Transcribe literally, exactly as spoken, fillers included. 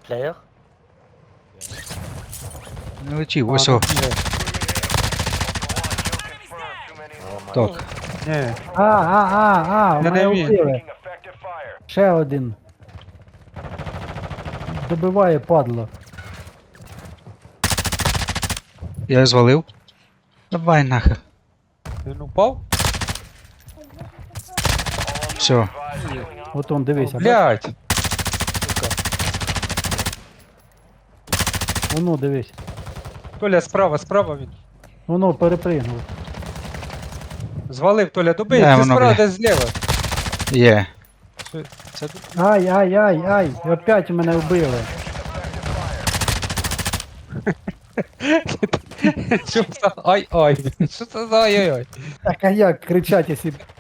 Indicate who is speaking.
Speaker 1: player?
Speaker 2: Не летів,
Speaker 3: А,
Speaker 2: ось
Speaker 3: ну,
Speaker 2: о,
Speaker 3: ні.
Speaker 1: Oh my
Speaker 2: так.
Speaker 1: god.
Speaker 3: Ні.
Speaker 4: А, а, а, а,
Speaker 3: Я
Speaker 4: мене
Speaker 3: не вмію.
Speaker 4: вбили. Ще один. Добиває падло.
Speaker 2: Я його звалив. Давай нахер.
Speaker 3: Він упав?
Speaker 2: Все.
Speaker 4: От он, дивися. бач?
Speaker 3: Блять.
Speaker 4: Воно, дивись.
Speaker 3: Толя, справа, справа він.
Speaker 4: Воно перепригнув.
Speaker 3: Звалив, Толя, добий,
Speaker 2: Де
Speaker 3: ти
Speaker 2: воно,
Speaker 3: справа,
Speaker 2: бля?
Speaker 3: десь зліва.
Speaker 2: Є.
Speaker 3: Це, це...
Speaker 4: Ай, ай, ай, ай, опять мене вбили.
Speaker 3: Що це за ай-ай? Що це за ай-ай-ай?
Speaker 4: Так а як кричать, якщо